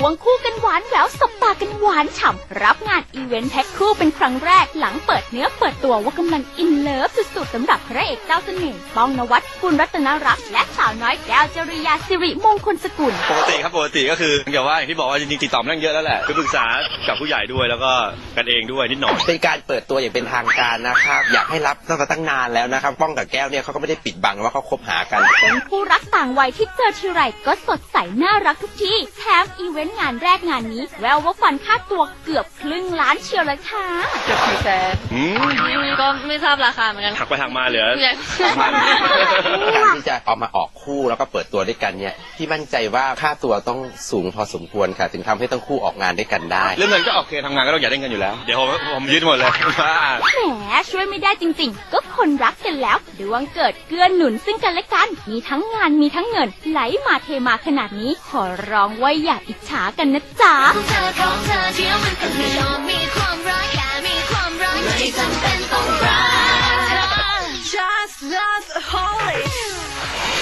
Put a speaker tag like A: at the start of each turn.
A: ควงคู่กันหวานแหววสบตากันหวานฉ่ำรับงานอีเวนต์แพ็คคู่เป็นครั้งแรกหลังเปิดเนื้อเปิดตัวว่ากำลังอินเลิฟสุดๆสำหรับพระเอกเจ้าเสน่ห์ป้องนวัด กุลรัตนรักษ์และสาวน้อยแก้วจริยาสิริมงคลสกุล
B: ปกติครับปกติก็คืออย่างที่บอกว่าจริงๆติดต่อมาตั้งเยอะแล้วแหละคือปรึกษากับผู้ใหญ่ด้วยแล้วก็กันเองด้วยนิดหน่อย
C: เป็นการเปิดตัวอย่างเป็นทางการนะครับอยากให้รับตั้งนานแล้วนะครับป้องกับแก้วเนี่ยเขาก็ไม่ได้ปิดบังว่าเขาคบหากัน
A: เป็นคู่รักต่างวัยที่เจอทีไรก็สดใสน่ารักทุกทีแถมอีเวนต์งานแรกงานนี้แววว่าฟันค่าตัวเกือบครึ่งล้านเชียวเลยค่ะ
D: เกือบ400,000ก็ไม่ทราบราคาเหมือนกัน
B: หักไปหักมาเหลือ
C: การที่จะเอามาออกคู่แล้วก็เปิดตัวด้วยกันเนี่ยพี่มั่นใจว่าค่าตัวต้องสูงพอสมควรค่ะถึงทำให้ทั้งคู่ออกงานด้วยกันได้
B: เรื่องเงินก็โอเคทำงานก็ต้องอยากได้เงินอยู่แล้วเดี๋ยวผมยึดหมดเลย
A: แหมช่วยไม่ได้จริงๆก็คนรักกันแล้วดวงเกิดเกื้อหนุนซึ่งกันและกันมีทั้งงานมีทั้งเงินไหลมาเทมาขนาดนี้ขอร้องว่าอย่าอิจฉากันนะจ๊ะ